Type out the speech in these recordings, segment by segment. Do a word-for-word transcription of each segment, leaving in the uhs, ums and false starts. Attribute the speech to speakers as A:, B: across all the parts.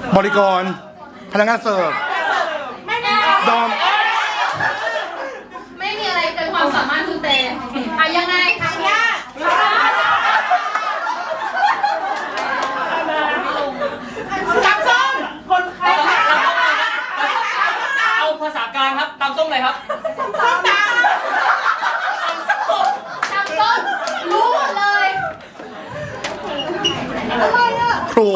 A: บริกรพนักงานเสิร์ฟดอม
B: ไม่มีอะไรเกินความสามารถคุณเตอ่ะยังไงทางยากตำส้มคนไข้
C: เอาภาษากลางครับตำส้มอะไรครับ
B: ส้มตำตำส้มรู้หมดเลยอะไรอ่ะ
A: ครู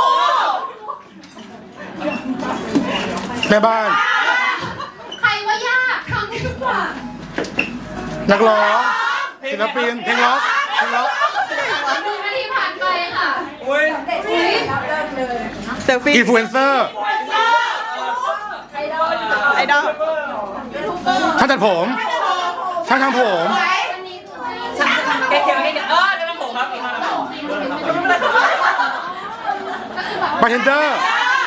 A: แม่บ้าน
B: ใครว่ายากทำได้ทุกอย่าง
A: นักร้องศิลปินเพลงล็อกเพลงล็อก
B: หนึ่งนาทีผ่านไปค่ะ
C: อุ้ย
A: เซลฟี่อินฟลูเอนเซอร์
B: ไอดอล
A: ช่างตัดผมช่างทำผม
C: แกเขียนให้เด็กเออจะทำผมครับ
A: บาร์เทนเดอร์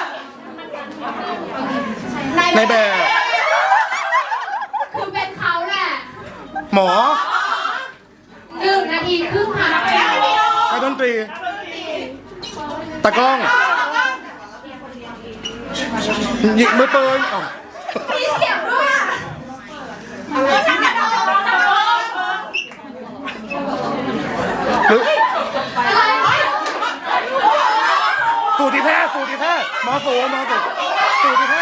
A: ในแบบ
B: คือเป็นเขาแหละ
A: หมอ
B: หนึ่งนาทีครึ่งผ่านไป
A: นักดนตรีตากล้องหยิกมือปืน
B: มีเสียงด้วยอ่ะ
A: หรือสูติแพทย์สูติแพทย์หมอสูหมอสูสูติแพทย์